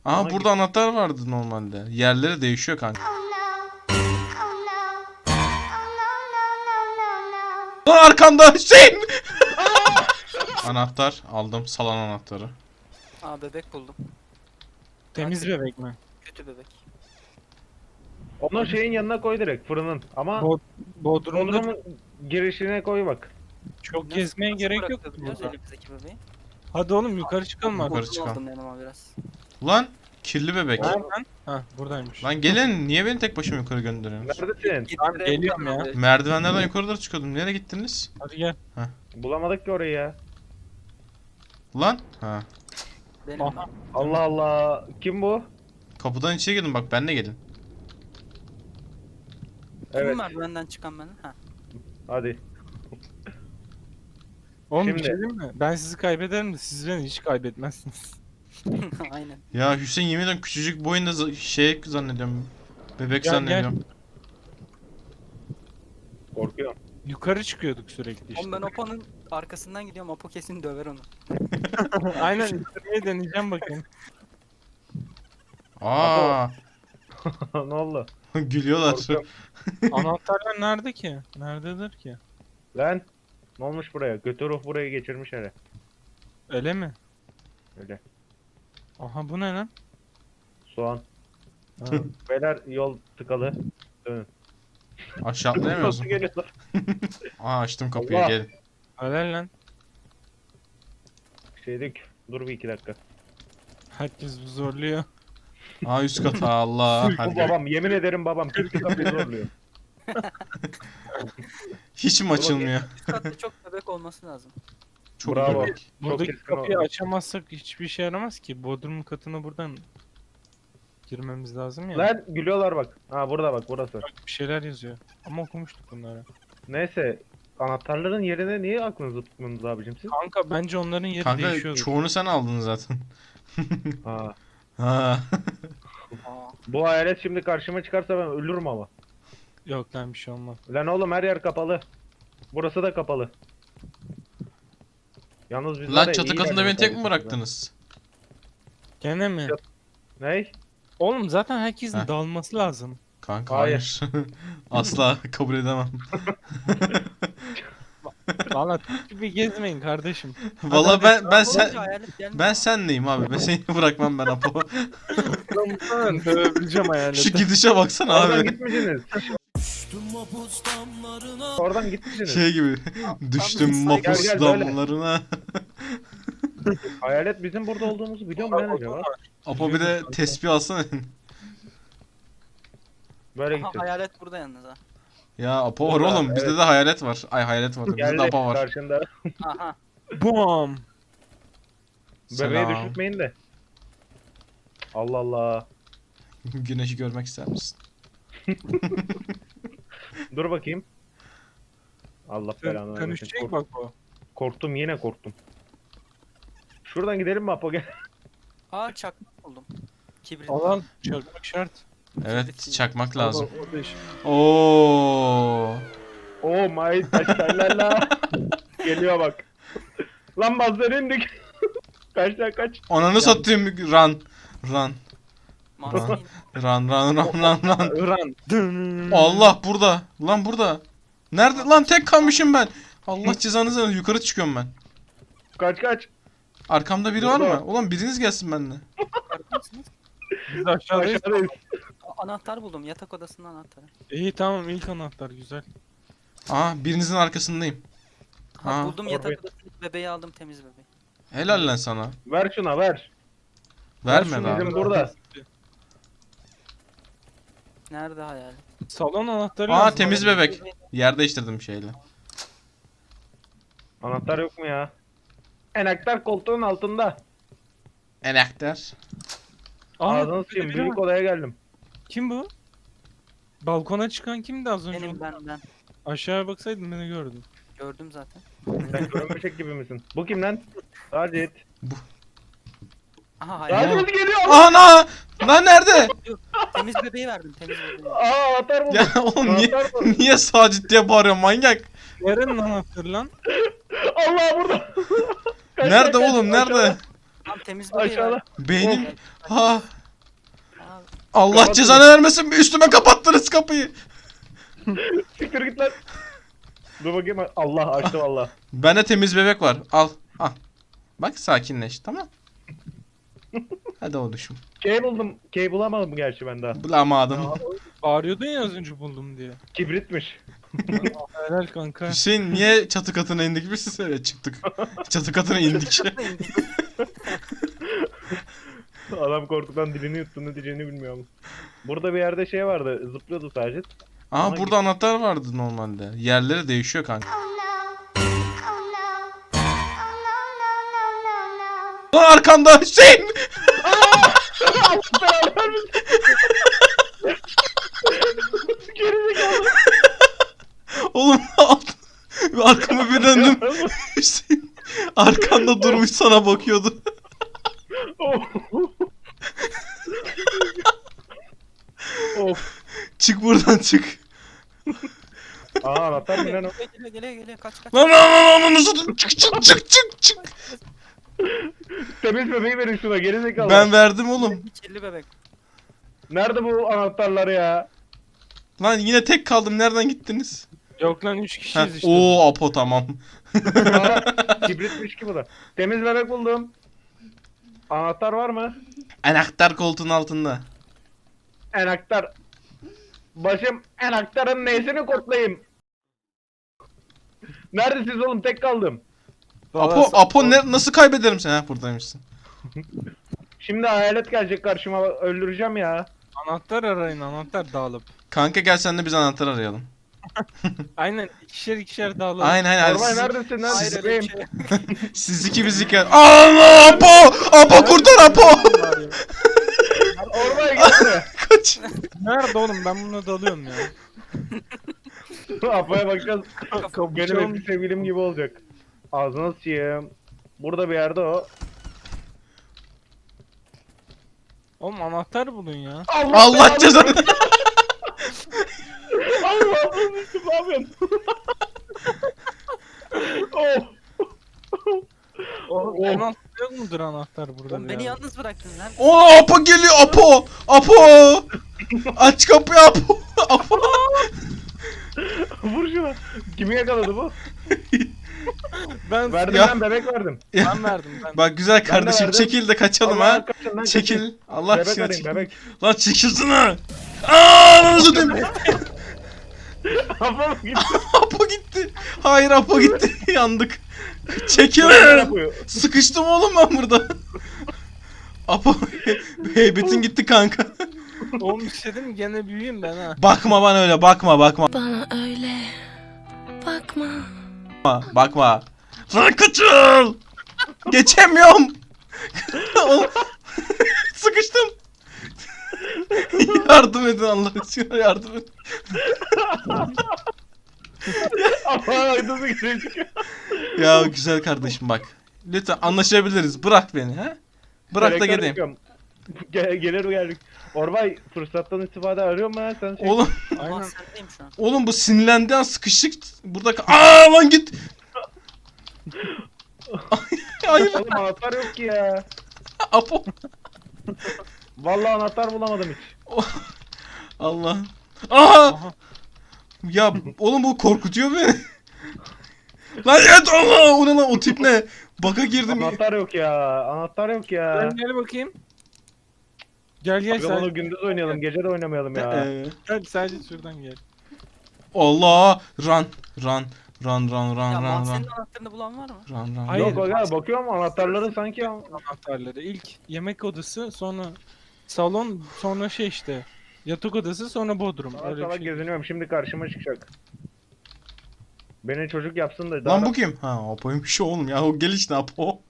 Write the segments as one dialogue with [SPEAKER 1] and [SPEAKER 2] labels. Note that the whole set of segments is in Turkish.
[SPEAKER 1] Aha
[SPEAKER 2] Ona
[SPEAKER 1] burada anahtar vardı normalde. Yerleri değişiyor kanka. Lan arkanda Hüseyin! Anahtar aldım. Salon anahtarı.
[SPEAKER 3] Aa bebek buldum.
[SPEAKER 4] Temiz bebek mi?
[SPEAKER 3] Kötü bebek.
[SPEAKER 2] Onu şeyin yanına koy direkt fırının. Ama
[SPEAKER 4] Bodrum'da
[SPEAKER 2] Bodrum'un girişine koy bak.
[SPEAKER 4] çok
[SPEAKER 3] Nasıl-
[SPEAKER 4] gezmeye
[SPEAKER 3] nasıl
[SPEAKER 4] gerek yok
[SPEAKER 3] bırakabiliyoruz
[SPEAKER 4] burada.
[SPEAKER 3] elimizdeki bebeği?
[SPEAKER 4] Hadi oğlum yukarı çıkalım
[SPEAKER 1] Yukarı
[SPEAKER 4] artık.
[SPEAKER 3] Odun
[SPEAKER 1] çıkalım.
[SPEAKER 3] aldım yanıma biraz.
[SPEAKER 1] Lan kirli bebek.
[SPEAKER 4] Nereden? Ha buradaymış.
[SPEAKER 1] Lan gelin niye beni tek başıma yukarı gönderiyorsunuz?
[SPEAKER 2] Neredesin?
[SPEAKER 4] Tamam, geliyorum ya.
[SPEAKER 1] Merdivenlerden yukarı doğru çıkıyordum. Nereye gittiniz?
[SPEAKER 4] Hadi gel.
[SPEAKER 2] Bulamadık ki orayı ya.
[SPEAKER 1] Lan? Ha.
[SPEAKER 3] Benim
[SPEAKER 4] Aha.
[SPEAKER 3] ben.
[SPEAKER 2] Allah Allah. Kim bu?
[SPEAKER 1] Kapıdan içeri girdim bak benle gelin.
[SPEAKER 2] Evet.
[SPEAKER 3] Kim merdivenden çıkan benim? Ha.
[SPEAKER 2] Hadi.
[SPEAKER 4] Oğlum bir
[SPEAKER 2] Şimdi-
[SPEAKER 4] şey diyeyim mi? Ben sizi kaybederim de siz beni hiç kaybetmezsiniz.
[SPEAKER 3] Aynen.
[SPEAKER 1] Ya Hüseyin yemin ederim küçücük boyunda şey zannediyorum. Bebek
[SPEAKER 4] Gel,
[SPEAKER 1] zannediyorum.
[SPEAKER 2] Korkuyorum.
[SPEAKER 4] Yukarı çıkıyorduk sürekli işte.
[SPEAKER 3] Oğlum ben Apo'nun arkasından gidiyorum. Apo kesin döver onu.
[SPEAKER 4] Aynen yukarıya deneyeceğim bakayım.
[SPEAKER 1] Aa,
[SPEAKER 2] Ne oldu?
[SPEAKER 1] gülüyorlar.
[SPEAKER 2] Korkuyorum.
[SPEAKER 4] Anahtarlar nerede ki? Nerededir ki?
[SPEAKER 2] Lan. Ne olmuş buraya? Götü ruh burayı geçirmiş hele.
[SPEAKER 4] Öyle mi?
[SPEAKER 2] Öyle.
[SPEAKER 4] Aha bu ne lan?
[SPEAKER 2] Soğan.
[SPEAKER 4] Ha.
[SPEAKER 2] Beyler yol tıkalı. Dönün.
[SPEAKER 1] Aşağı atlayamıyor
[SPEAKER 2] Nasıl
[SPEAKER 1] musun?
[SPEAKER 2] geliyorlar?
[SPEAKER 1] Aa açtım kapıyı
[SPEAKER 2] Allah.
[SPEAKER 1] gelin.
[SPEAKER 4] Öyle lan.
[SPEAKER 2] Şeydik. Dur bir iki dakika.
[SPEAKER 4] Herkes bu zorluyor.
[SPEAKER 1] Aa üst kat Allah.
[SPEAKER 2] Bu
[SPEAKER 1] Hadi gel.
[SPEAKER 2] babam. Yemin ederim babam. Türk kapıyı zorluyor.
[SPEAKER 1] Hiç mi açılmıyor?
[SPEAKER 3] Üst katta çok bebek olması lazım.
[SPEAKER 1] Çok
[SPEAKER 2] Bravo.
[SPEAKER 1] bebek.
[SPEAKER 4] Buradaki
[SPEAKER 2] keskin
[SPEAKER 4] kapıyı
[SPEAKER 2] oldu.
[SPEAKER 4] açamazsak hiçbir şey yaramaz ki. Bodrum katına buradan girmemiz lazım ya.
[SPEAKER 2] Lan gülüyorlar bak. Ha burada bak burası.
[SPEAKER 4] Bir şeyler yazıyor. Ama okumuştuk bunları.
[SPEAKER 2] Neyse. Anahtarların yerine niye aklınızı tutmuyorsunuz abicim siz?
[SPEAKER 4] Kanka bence onların yeri
[SPEAKER 1] Kanka
[SPEAKER 4] değişiyordu.
[SPEAKER 1] çoğunu sen aldın zaten.
[SPEAKER 2] Ha.
[SPEAKER 1] Ha.
[SPEAKER 3] Aa.
[SPEAKER 2] Bu hayalet şimdi karşıma çıkarsa ben ölürüm ama.
[SPEAKER 4] Yok lan bir şey olmaz.
[SPEAKER 2] Lan oğlum her yer kapalı. Burası da kapalı. Yalnız biz var
[SPEAKER 1] Lan
[SPEAKER 2] ya,
[SPEAKER 1] çatı
[SPEAKER 2] iyi
[SPEAKER 1] katında beni
[SPEAKER 2] yerdeyiz
[SPEAKER 1] tek mi
[SPEAKER 2] abi.
[SPEAKER 1] bıraktınız?
[SPEAKER 4] Gene mi?
[SPEAKER 2] Ney?
[SPEAKER 4] Oğlum zaten herkesin
[SPEAKER 1] Heh.
[SPEAKER 4] dağılması lazım.
[SPEAKER 1] Kanka
[SPEAKER 2] Hayır.
[SPEAKER 1] hayır. Asla kabul edemem.
[SPEAKER 4] Valla gibi gezmeyin kardeşim.
[SPEAKER 1] Valla ben sen
[SPEAKER 3] Olunca hayalet gelmiyor.
[SPEAKER 1] ben senleyim abi. Ben seni bırakmam ben Apo.
[SPEAKER 4] Ben dövebileceğim
[SPEAKER 1] Şu
[SPEAKER 4] hayaleti.
[SPEAKER 1] gidişe baksana
[SPEAKER 2] Oradan
[SPEAKER 1] abi.
[SPEAKER 2] gitmişsiniz. Oradan gitmişsiniz.
[SPEAKER 1] Şey gibi. Düştüm
[SPEAKER 3] Gel,
[SPEAKER 1] mapus
[SPEAKER 2] gel, böyle.
[SPEAKER 1] damlarına.
[SPEAKER 2] Hayalet bizim burada olduğumuzu biliyor mu lan acaba?
[SPEAKER 1] Apo bir de tespih alsana.
[SPEAKER 2] Böyle
[SPEAKER 3] Aha,
[SPEAKER 2] gideceğiz.
[SPEAKER 3] hayalet burada yalnız ha.
[SPEAKER 1] Ya Apo var
[SPEAKER 2] Burada,
[SPEAKER 1] oğlum. Bizde
[SPEAKER 2] evet.
[SPEAKER 1] de hayalet var. Ay hayalet var. Bizde de
[SPEAKER 2] Geldi
[SPEAKER 1] Apo var.
[SPEAKER 2] karşında.
[SPEAKER 3] Aha.
[SPEAKER 4] Bum.
[SPEAKER 2] Bebeği
[SPEAKER 1] Selam.
[SPEAKER 2] düşürtmeyin de. Allah Allah.
[SPEAKER 1] Güneşi görmek ister misin?
[SPEAKER 2] Dur bakayım. Allah belanı vermesin.
[SPEAKER 4] Dönüşecek bak o.
[SPEAKER 2] Korktum yine korktum. Şuradan gidelim mi Apo gel.
[SPEAKER 3] Aa çakmak buldum. Kibrit.
[SPEAKER 4] Alan çakmak şart.
[SPEAKER 1] Evet çakmak lazım.
[SPEAKER 4] O da iş.
[SPEAKER 1] Oo.
[SPEAKER 2] Oh my taşlarla. Geliyor bak. Lan bazıları indik. Kaç lan kaç.
[SPEAKER 1] Ananı satayım run. Run.
[SPEAKER 3] Manzara
[SPEAKER 1] Run run run run run.
[SPEAKER 4] Iran. Dın.
[SPEAKER 1] Allah burada. Lan burada. Nerede lan tek kalmışım ben. Allah cezanızı versin. Yukarı çıkıyorum ben.
[SPEAKER 2] Kaç kaç.
[SPEAKER 1] Arkamda biri var
[SPEAKER 2] Burada.
[SPEAKER 1] mı? Ulan biriniz gelsin benimle.
[SPEAKER 3] mısınız?
[SPEAKER 4] Biz aşağıdayız.
[SPEAKER 2] Aşağıdayız.
[SPEAKER 3] Anahtar buldum. Yatak odasının anahtarı.
[SPEAKER 4] İyi tamam ilk anahtar güzel.
[SPEAKER 1] Aa birinizin arkasındayım.
[SPEAKER 3] Ha,
[SPEAKER 1] Ha,
[SPEAKER 3] buldum
[SPEAKER 2] oraya-
[SPEAKER 3] yatak odasındaki bebeği aldım temiz bebeği.
[SPEAKER 1] Helal lan sana.
[SPEAKER 2] Ver şuna ver.
[SPEAKER 1] Verme
[SPEAKER 2] şunu
[SPEAKER 1] lan.
[SPEAKER 2] bizim burada.
[SPEAKER 3] Nerede hayalet?
[SPEAKER 4] Salon anahtarı
[SPEAKER 1] Aa
[SPEAKER 4] lazım.
[SPEAKER 1] temiz bebek. Yer değiştirdim şeyle.
[SPEAKER 2] Anahtar yok mu ya? Enaktar koltuğun altında.
[SPEAKER 1] Enakter.
[SPEAKER 4] Aa,
[SPEAKER 2] Ağzını sıçayım.
[SPEAKER 4] biri var.
[SPEAKER 2] Büyük odaya geldim.
[SPEAKER 4] Kim bu? Balkona çıkan kimdi az önce?
[SPEAKER 3] Benim ben.
[SPEAKER 4] Aşağıya baksaydın beni gördün.
[SPEAKER 3] Gördüm zaten.
[SPEAKER 2] Sen görünmüşek gibi misin? Bu kim lan? Sacit.
[SPEAKER 3] Aha hayalet.
[SPEAKER 2] Sacit geliyor.
[SPEAKER 1] Ana! Lan nerede?
[SPEAKER 3] Temiz bebeği verdim temiz bebeği.
[SPEAKER 2] Aa anahtar buldum.
[SPEAKER 1] Ya oğlum niye
[SPEAKER 2] Anahtar buldum.
[SPEAKER 1] niye Sacit diye bağırıyorsun manyak?
[SPEAKER 4] Nerenin anahtarı lan?
[SPEAKER 2] Allah burada. Kaç,
[SPEAKER 1] Nerede
[SPEAKER 2] kaç,
[SPEAKER 1] oğlum
[SPEAKER 2] kaç,
[SPEAKER 1] nerede?
[SPEAKER 3] Tam temiz bebeği
[SPEAKER 2] Aşağıda.
[SPEAKER 3] verdim.
[SPEAKER 1] Beynim. Ha.
[SPEAKER 3] Abi,
[SPEAKER 1] Allah
[SPEAKER 2] Kapatın.
[SPEAKER 1] cezanı vermesin. Üstüme kapattınız kapıyı.
[SPEAKER 2] Siktir git lan. Dur bakayım. Allah açtı valla.
[SPEAKER 1] Bende temiz bebek var. Al. Al. Bak sakinleş. Tamam. Hadi oluşum.
[SPEAKER 2] Key buldum. Key bulamadım gerçi ben daha.
[SPEAKER 1] Bulamadım.
[SPEAKER 4] Bağırıyordun ya az önce buldum diye.
[SPEAKER 2] Kibritmiş.
[SPEAKER 4] Helal kanka.
[SPEAKER 1] Hüseyin niye çatı katına indik biz? Evet çıktık. Çatı katına indik.
[SPEAKER 2] Adam korkudan dilini yuttu, ne diyeceğini bilmiyorum. Burada bir yerde şey vardı. Zıplıyordu sadece.
[SPEAKER 1] Aha burada anahtar vardı normalde. Yerleri değişiyor kanka. Lan arkanda Hüseyin!
[SPEAKER 2] Gerizekalı.
[SPEAKER 1] Oğlum arkama bir döndüm. Hüseyin arkanda durmuş sana bakıyordu.
[SPEAKER 2] Of. Of.
[SPEAKER 1] Çık buradan çık.
[SPEAKER 2] Aa anahtar mı lan o?
[SPEAKER 3] Geliyor kaç kaç.
[SPEAKER 1] Lan nasıl çık.
[SPEAKER 2] Temiz bebeği verin şuna gerizekalı.
[SPEAKER 1] Ben verdim oğlum.
[SPEAKER 3] Kirli bebek.
[SPEAKER 2] Nerede bu anahtarlar ya?
[SPEAKER 1] Lan yine tek kaldım. Nereden gittiniz?
[SPEAKER 4] Yok lan 3
[SPEAKER 1] Heh,
[SPEAKER 4] kişiyiz işte.
[SPEAKER 1] Oo Apo tamam.
[SPEAKER 2] Aa, kibritmiş ki bu da. Temiz bebek buldum. Anahtar var mı?
[SPEAKER 1] Anahtar koltuğun altında.
[SPEAKER 2] Enaktar. Başım enaktarın neyisini kurtlayayım. Neredesiniz oğlum? Tek kaldım.
[SPEAKER 1] Apo nasıl kaybederim seni? Ha buradaymışsın.
[SPEAKER 2] Şimdi hayalet gelecek karşıma, öldüreceğim ya.
[SPEAKER 4] Anahtar arayın, anahtar dağılıp.
[SPEAKER 1] Kanka gel sen de biz anahtar arayalım.
[SPEAKER 4] Aynen ikişer dağılıp.
[SPEAKER 1] Aynen hadi
[SPEAKER 2] Orman
[SPEAKER 1] siz,
[SPEAKER 2] neredesin lan?
[SPEAKER 3] Hayır öyle bir
[SPEAKER 2] Bebeğim.
[SPEAKER 3] şey.
[SPEAKER 1] siz iki biz iki. Allah Apo! Apo kurtar Apo!
[SPEAKER 2] Ormaya gel buraya.
[SPEAKER 1] Kaç.
[SPEAKER 4] Nerede oğlum ben buna dalıyorum ya.
[SPEAKER 2] Apo'ya bakacağız.
[SPEAKER 4] Kapı
[SPEAKER 2] Benim eski sevgilim gibi olacak. Ağzına sıçayım. Burada bir yerde o.
[SPEAKER 4] Oğlum anahtar bulun ya.
[SPEAKER 1] Allah cezanı.
[SPEAKER 2] Allah'ım düştüm, ne yapıyorsun? Oh.
[SPEAKER 4] Oğlum
[SPEAKER 2] Oh.
[SPEAKER 4] anahtar yok mudur anahtar burada?
[SPEAKER 3] Oğlum
[SPEAKER 4] bir
[SPEAKER 3] beni
[SPEAKER 4] yerde?
[SPEAKER 3] yalnız bıraktın lan.
[SPEAKER 1] O Apo geliyor Apo! Apo! Aç kapıyı Apo! Apo!
[SPEAKER 2] Vur şuna. Kimi yakaladı bu?
[SPEAKER 4] Ben
[SPEAKER 2] Verdim
[SPEAKER 1] Ya.
[SPEAKER 2] ben bebek verdim.
[SPEAKER 4] ben verdim ben.
[SPEAKER 1] Bak güzel kardeşim
[SPEAKER 2] verdim.
[SPEAKER 1] çekil de kaçalım
[SPEAKER 2] Allah
[SPEAKER 1] ha.
[SPEAKER 2] kaçın lan,
[SPEAKER 1] Çekil.
[SPEAKER 2] kaçın.
[SPEAKER 1] Allah
[SPEAKER 2] Bebek
[SPEAKER 1] aşkına
[SPEAKER 2] arayın
[SPEAKER 1] çekil.
[SPEAKER 2] bebek.
[SPEAKER 1] Lan çekilsene. Aaa lan özür dilerim.
[SPEAKER 2] Apo gitti.
[SPEAKER 1] Apo gitti. Hayır Apo gitti. Yandık. Çekil.
[SPEAKER 2] Yapıyor.
[SPEAKER 1] Sıkıştım oğlum ben burada. Apo heybetin gitti kanka.
[SPEAKER 4] Oğlum bir şey dedim gene büyüyeyim ben ha.
[SPEAKER 1] Bakma bana öyle bakma.
[SPEAKER 5] Bana öyle bakma.
[SPEAKER 1] Bakma. Lan kaçıl. Geçemiyorum. Sıkıştım. Yardım edin Allah aşkına yardım edin.
[SPEAKER 2] Apo aydınlığı geri çıkıyor.
[SPEAKER 1] Ya güzel kardeşim bak. Lütfen anlaşabiliriz. Bırak beni ha. Bırak da
[SPEAKER 2] Selektör
[SPEAKER 1] gideyim.
[SPEAKER 2] yapıyorum. Gelir geldik. Orbay fırsattan istifade arıyor mu lan sen?
[SPEAKER 1] Oğlum,
[SPEAKER 3] Allah
[SPEAKER 4] Aynen.
[SPEAKER 3] sendeyim şu an.
[SPEAKER 1] oğlum bu sinirlendiği an sıkıştık. Burada aa lan git. Hayır
[SPEAKER 2] Oğlum anahtar yok ki ya.
[SPEAKER 1] Apo.
[SPEAKER 2] Vallahi anahtar bulamadım hiç.
[SPEAKER 1] Allah. Aha.
[SPEAKER 4] Aha.
[SPEAKER 1] Ya oğlum bu korkutuyor beni. Lan evet Allah o ne lan o tip ne? Baka girdim.
[SPEAKER 2] Anahtar yok ya. Anahtar yok ya.
[SPEAKER 4] Ben gel bakayım. Gel
[SPEAKER 2] Abi onu
[SPEAKER 4] sen.
[SPEAKER 2] gündüz oynayalım, gece de oynamayalım ya.
[SPEAKER 4] Gel sadece şuradan gel.
[SPEAKER 1] Allah run.
[SPEAKER 3] Ya
[SPEAKER 1] Run.
[SPEAKER 3] mahzenin anahtarını bulan var mı?
[SPEAKER 1] Run.
[SPEAKER 4] Hayır.
[SPEAKER 2] Yok bak bakıyorum anahtarları sanki
[SPEAKER 4] Anahtarları. İlk yemek odası, sonra salon, sonra şey işte. Yatak odası, sonra bodrum.
[SPEAKER 2] salak
[SPEAKER 4] Öyle bir
[SPEAKER 2] salak
[SPEAKER 4] şey.
[SPEAKER 2] geziniyorum, şimdi karşıma çıkacak. Beni çocuk yapsın da
[SPEAKER 1] Lan bu kim? Ha Apo'ymuş oğlum ya o gel işte Apo.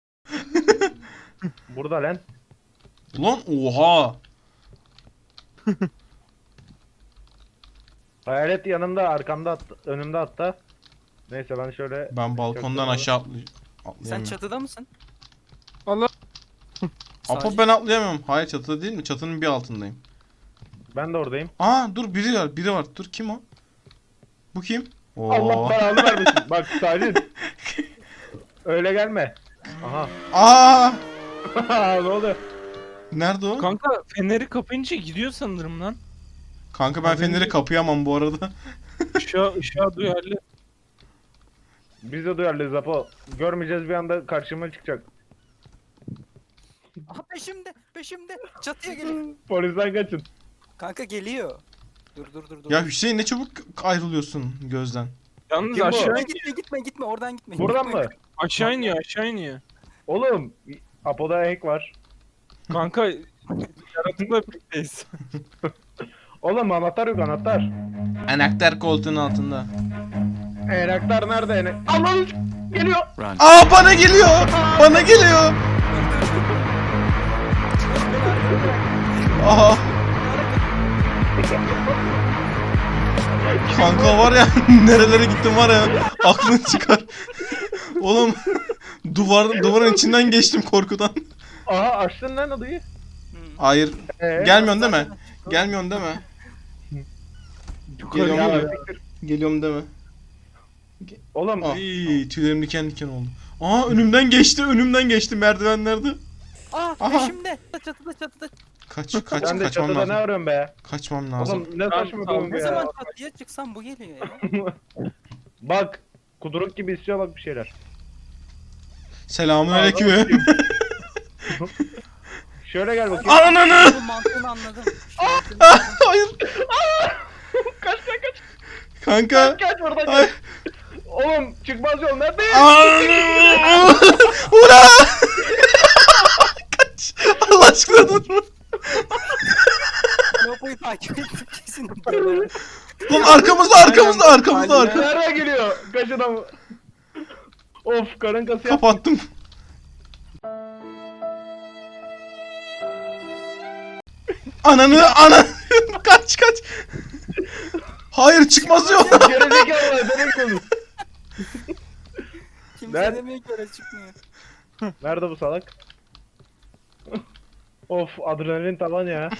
[SPEAKER 2] burada lan.
[SPEAKER 1] Ulan oha.
[SPEAKER 2] Hayalet yanımda, arkamda, önümde hatta. Neyse ben şöyle
[SPEAKER 1] Ben balkondan
[SPEAKER 2] Çok
[SPEAKER 1] aşağı
[SPEAKER 3] Sen
[SPEAKER 1] atlayamıyorum.
[SPEAKER 3] çatıda mısın?
[SPEAKER 4] Allah.
[SPEAKER 1] Apo
[SPEAKER 3] Sadece-
[SPEAKER 1] ben atlayamıyorum. Hayır çatıda değil mi? Çatının bir altındayım.
[SPEAKER 2] ben de oradayım.
[SPEAKER 1] Aa dur biri var. Dur kim o? Bu kim? Oo.
[SPEAKER 2] Allah belanı vermesin. Bak Sacit. Öyle gelme. Aha.
[SPEAKER 1] Aa!
[SPEAKER 2] Ne oldu?
[SPEAKER 1] Nerede o?
[SPEAKER 4] Kanka feneri kapayınca gidiyor sanırım lan.
[SPEAKER 1] Kanka ben feneri kapayamam bu arada.
[SPEAKER 4] Işığa duyarlı.
[SPEAKER 2] Biz de duyarlıyız Apo. Görmeyeceğiz bir anda karşıma çıkacak.
[SPEAKER 3] Aha peşimde. Peşimde. Çatıya geliyor.
[SPEAKER 2] Polisten kaçın.
[SPEAKER 3] Kanka geliyor. Dur.
[SPEAKER 1] Ya Hüseyin ne çabuk ayrılıyorsun gözden.
[SPEAKER 4] Yalnız
[SPEAKER 2] Kim bu?
[SPEAKER 4] aşağı
[SPEAKER 3] Gitme oradan gitme.
[SPEAKER 2] Buradan
[SPEAKER 3] Gitme.
[SPEAKER 2] mı?
[SPEAKER 4] aşağı iniyor.
[SPEAKER 2] Oğlum Apo'da hack var.
[SPEAKER 4] Kanka yaratıkla birlikteyiz.
[SPEAKER 2] Oğlum anahtar yok anahtar.
[SPEAKER 1] Anahtar koltuğun altında.
[SPEAKER 2] Enaktar nerede enek? Allah'ım geliyor.
[SPEAKER 1] Aa bana geliyor. Bana geliyor. Aha. Kanka var ya nerelere gittim var ya aklın çıkar. Oğlum duvarın içinden geçtim korkudan.
[SPEAKER 2] Aha açtın lan odayı.
[SPEAKER 1] Hayır.
[SPEAKER 2] Ee?
[SPEAKER 1] Gelmiyorsun değil mi? Gelmiyorsun değil mi?
[SPEAKER 4] Yukarı
[SPEAKER 1] Geliyorum.
[SPEAKER 4] geliyor.
[SPEAKER 1] Geliyorum değil mi?
[SPEAKER 2] Oğlum
[SPEAKER 1] Ay tüylerim diken diken oldu. Aa önümden geçti merdivenlerde.
[SPEAKER 3] Aa
[SPEAKER 1] Aha.
[SPEAKER 3] peşimde. Çatıda.
[SPEAKER 1] Kaçmam
[SPEAKER 2] sen de çatıda ne
[SPEAKER 1] lazım.
[SPEAKER 2] arıyorsun be?
[SPEAKER 1] Kaçmam lazım.
[SPEAKER 2] Oğlum ne saçma bir oyun
[SPEAKER 3] Ne
[SPEAKER 2] ya.
[SPEAKER 3] zaman çatıya çıksam bu geliyor ya.
[SPEAKER 2] Bak kuduruk gibi istiyor bak bir şeyler.
[SPEAKER 1] Selamünaleyküm.
[SPEAKER 2] Şöyle gel bakayım.
[SPEAKER 1] Ananı!
[SPEAKER 3] Bu mantığını anladım.
[SPEAKER 1] Hayır.
[SPEAKER 2] Kaç.
[SPEAKER 1] Kanka.
[SPEAKER 2] Kaç buradan
[SPEAKER 1] Ay.
[SPEAKER 2] kaç. Oğlum çıkmaz yol nerede?
[SPEAKER 1] Ananı! Ura! Kaç. Allah aşkına dur.
[SPEAKER 3] Lopoyu takip ettim kesin.
[SPEAKER 1] Lan arkamızda.
[SPEAKER 2] Nereye geliyor? Kaçına mı? Of karın kası yap.
[SPEAKER 1] Kapattım. Ananı. Kaç. Hayır çıkmaz yok.
[SPEAKER 2] Gerizekalı demek konuş.
[SPEAKER 3] Kimse
[SPEAKER 2] Ben-
[SPEAKER 3] demiyor ki öyle çıkmıyor.
[SPEAKER 2] Nerede bu salak? Of adrenalin tavan ya.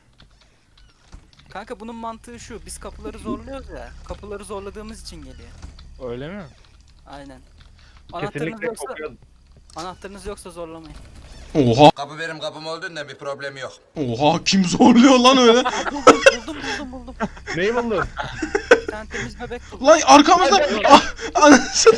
[SPEAKER 3] Kanka bunun mantığı şu. Biz kapıları zorluyoruz ya. Kapıları zorladığımız için geliyor.
[SPEAKER 4] Öyle mi?
[SPEAKER 3] Aynen. Anahtarınız
[SPEAKER 2] Kesinlikle
[SPEAKER 3] yoksa,
[SPEAKER 2] kokuyor.
[SPEAKER 3] anahtarınız yoksa zorlamayın.
[SPEAKER 1] Oha.
[SPEAKER 6] Kapı benim kapım olduğunda bir problem yok.
[SPEAKER 1] Oha kim zorluyor lan öyle?
[SPEAKER 3] Buldum.
[SPEAKER 2] Neyi buldun?
[SPEAKER 3] Bir tane temiz bebek buldum.
[SPEAKER 1] Lan arkamızda. Ah, anasını.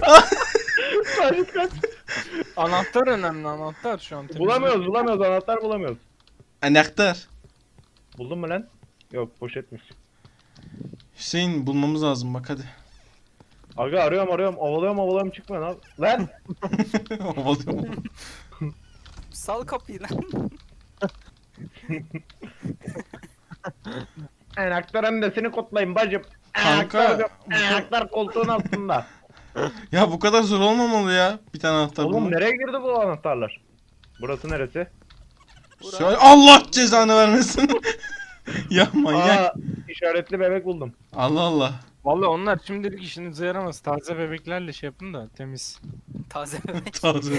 [SPEAKER 2] Kaç.
[SPEAKER 4] Anahtar önemli anahtar şu an.
[SPEAKER 2] Bulamıyoruz anahtar bulamıyoruz.
[SPEAKER 1] Anahtar.
[SPEAKER 2] Buldun mu lan? Yok poşetmiş.
[SPEAKER 1] Hüseyin bulmamız lazım bak hadi.
[SPEAKER 2] Aga arıyorum ovalıyorum çıkmıyor lan. Lan!
[SPEAKER 1] Ovalıyorum.
[SPEAKER 3] Sal kapıyı lan.
[SPEAKER 2] Enaktar annesini kutlayın bacım.
[SPEAKER 1] Kanka,
[SPEAKER 2] Enaktar koltuğun altında.
[SPEAKER 1] Ya bu kadar zor olmamalı ya. Bir tane anahtar
[SPEAKER 2] Oğlum
[SPEAKER 1] bulmak.
[SPEAKER 2] nereye girdi bu anahtarlar? Burası neresi?
[SPEAKER 1] Şöyle Allah cezanı vermesin. Ya manyak.
[SPEAKER 2] Aa, işaretli bebek buldum.
[SPEAKER 1] Allah Allah.
[SPEAKER 4] Vallahi onlar şimdilik işinize yaramaz. Taze bebeklerle şey yapın da temiz.
[SPEAKER 3] Taze bebek.
[SPEAKER 1] Taze.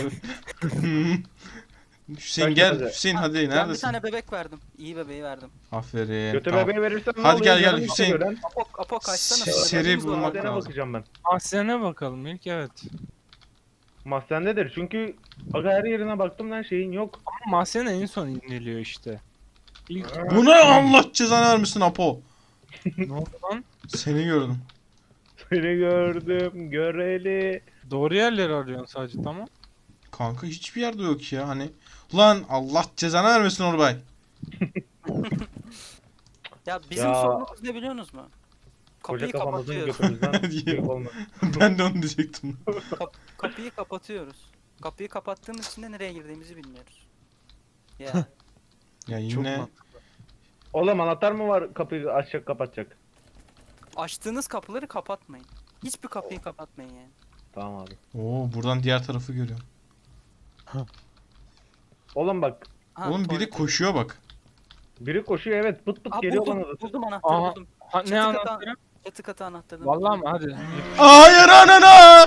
[SPEAKER 1] Hüseyin
[SPEAKER 2] Kaç
[SPEAKER 1] gel.
[SPEAKER 2] taze?
[SPEAKER 1] Hüseyin hadi
[SPEAKER 3] Ben bir
[SPEAKER 1] neredesin?
[SPEAKER 3] tane bebek verdim. İyi bebeği verdim.
[SPEAKER 1] Aferin.
[SPEAKER 2] Kötü
[SPEAKER 1] tamam.
[SPEAKER 2] bebeği verirsen ne
[SPEAKER 1] Hadi
[SPEAKER 2] oluyor?
[SPEAKER 1] gel,
[SPEAKER 2] Canım
[SPEAKER 1] Hüseyin.
[SPEAKER 2] istiyor lan.
[SPEAKER 3] Apo kaçsana.
[SPEAKER 1] Seri
[SPEAKER 3] Bebeğimiz var.
[SPEAKER 1] bulmak
[SPEAKER 2] Mahzene
[SPEAKER 1] lazım.
[SPEAKER 2] bakacağım ben.
[SPEAKER 4] Mahzene bakalım ilk evet.
[SPEAKER 2] Mahzendedir çünkü aga her yerine baktım lan şeyin yok.
[SPEAKER 4] Ama mahzen en son iniliyor işte. İlk
[SPEAKER 1] Bu ne Allah cezanı vermesin Apo.
[SPEAKER 4] ne oldu lan?
[SPEAKER 1] Seni gördüm.
[SPEAKER 2] Seni gördüm göreli.
[SPEAKER 4] Doğru yerleri arıyorsun sadece tamam.
[SPEAKER 1] Kanka hiçbir yerde yok ya hani. Ulan Allah cezanı vermesin Orbay.
[SPEAKER 3] Ya bizim
[SPEAKER 2] Ya.
[SPEAKER 3] sorunumuz ne biliyorsunuz mu?
[SPEAKER 2] Koca
[SPEAKER 3] Kapıyı
[SPEAKER 2] kafamızın
[SPEAKER 3] kapatıyoruz.
[SPEAKER 2] götümüzden büyük olmaz.
[SPEAKER 1] Ben de onu diyecektim.
[SPEAKER 3] Kapıyı kapatıyoruz. Kapıyı kapattığımız için de nereye girdiğimizi bilmiyoruz. Ya
[SPEAKER 1] Ya
[SPEAKER 4] Çok
[SPEAKER 1] yine
[SPEAKER 4] mantıklı.
[SPEAKER 2] Oğlum anahtar mı var kapıyı açacak kapatacak?
[SPEAKER 3] açtığınız kapıları kapatmayın. Hiçbir kapıyı kapatmayın yani.
[SPEAKER 2] Tamam abi.
[SPEAKER 1] Oo buradan diğer tarafı görüyorum.
[SPEAKER 2] Oğlum bak
[SPEAKER 3] Ha,
[SPEAKER 1] Oğlum biri
[SPEAKER 3] tuvalet.
[SPEAKER 1] koşuyor bak.
[SPEAKER 2] biri koşuyor evet pıt pıt
[SPEAKER 3] Aa,
[SPEAKER 2] geliyor
[SPEAKER 3] buldum,
[SPEAKER 2] bana da.
[SPEAKER 3] buldum anahtarı
[SPEAKER 4] Aha.
[SPEAKER 3] buldum.
[SPEAKER 4] Ha,
[SPEAKER 3] Çatı
[SPEAKER 4] ne
[SPEAKER 3] katı-
[SPEAKER 4] anahtarı?
[SPEAKER 3] Çatı katı anahtarı.
[SPEAKER 4] Vallahi mi? Hadi.
[SPEAKER 1] Hayır anana!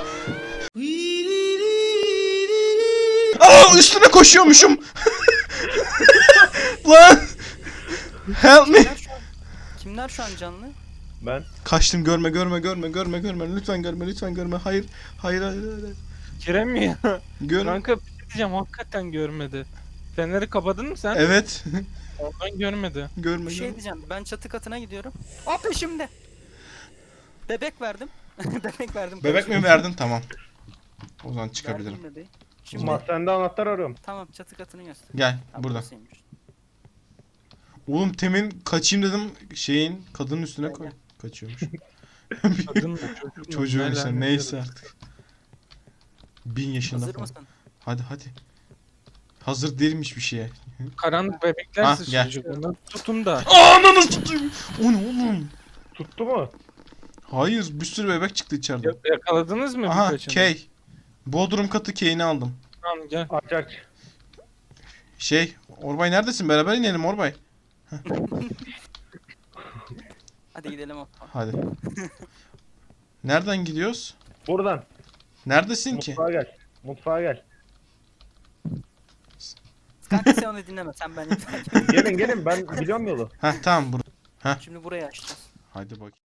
[SPEAKER 1] Aa üstüne koşuyormuşum. Lan! Help me.
[SPEAKER 3] Kimler şu an canlı?
[SPEAKER 2] Ben
[SPEAKER 1] Kaçtım görme. Lütfen görme. Hayır. Hayır.
[SPEAKER 4] Giremiyor.
[SPEAKER 1] Görme.
[SPEAKER 4] Kanka diyeceğim, hakikaten görmedi. Feneri kapadın mı sen?
[SPEAKER 1] Evet.
[SPEAKER 4] Ondan görmedi.
[SPEAKER 3] Bir
[SPEAKER 1] Görmedim.
[SPEAKER 3] şey diyeceğim. Ben çatı katına gidiyorum. O peşimde. Bebek verdim. Bebek verdim.
[SPEAKER 1] Bebek mi verdin? Tamam. O zaman çıkabilirim.
[SPEAKER 3] Verdim bebeği. Şimdi
[SPEAKER 2] Mahzende anahtar arıyorum.
[SPEAKER 3] tamam, çatı katını göster.
[SPEAKER 1] Gel
[SPEAKER 3] Ha,
[SPEAKER 1] burada.
[SPEAKER 3] burasıymış.
[SPEAKER 1] Oğlum temin kaçayım dedim şeyin kadının üstüne
[SPEAKER 3] Gel,
[SPEAKER 1] koy.
[SPEAKER 3] gel.
[SPEAKER 1] Kaçıyormuş.
[SPEAKER 4] Kadın mı çocuk mu?
[SPEAKER 1] Çocuğun
[SPEAKER 4] Ne
[SPEAKER 1] işte
[SPEAKER 4] lanet
[SPEAKER 1] neyse
[SPEAKER 4] herif.
[SPEAKER 1] artık. 1000 yaşında
[SPEAKER 3] Hazır
[SPEAKER 1] falan.
[SPEAKER 3] mısın?
[SPEAKER 1] Hadi hadi. Hazır değilmiş bir şeye.
[SPEAKER 4] Karanlık bebekler
[SPEAKER 1] Ha,
[SPEAKER 4] sıçrayacak. Onları tutun da.
[SPEAKER 1] Ananı satayım. O ne oğlum?
[SPEAKER 2] Tuttu mu?
[SPEAKER 1] Hayır bir sürü bebek çıktı içeriden.
[SPEAKER 4] Yakaladınız mı
[SPEAKER 1] Aha
[SPEAKER 4] birkaçını?
[SPEAKER 1] Kay. Bodrum katı Kay'ini aldım.
[SPEAKER 4] Tamam gel.
[SPEAKER 2] Aç aç.
[SPEAKER 1] Şey Orbay neredesin? Beraber inelim Orbay.
[SPEAKER 3] Hadi gidelim o.
[SPEAKER 1] Hadi. Nereden gidiyoruz?
[SPEAKER 2] Buradan.
[SPEAKER 1] Neredesin ki?
[SPEAKER 2] Mutfağa gel. Mutfağa gel.
[SPEAKER 3] Kanka sen onu dinleme. Sen beni takip et.
[SPEAKER 2] Gelin gelin ben biliyorum yolu.
[SPEAKER 1] Heh tamam burada.
[SPEAKER 3] Şimdi burayı açacağız.
[SPEAKER 1] Hadi bak.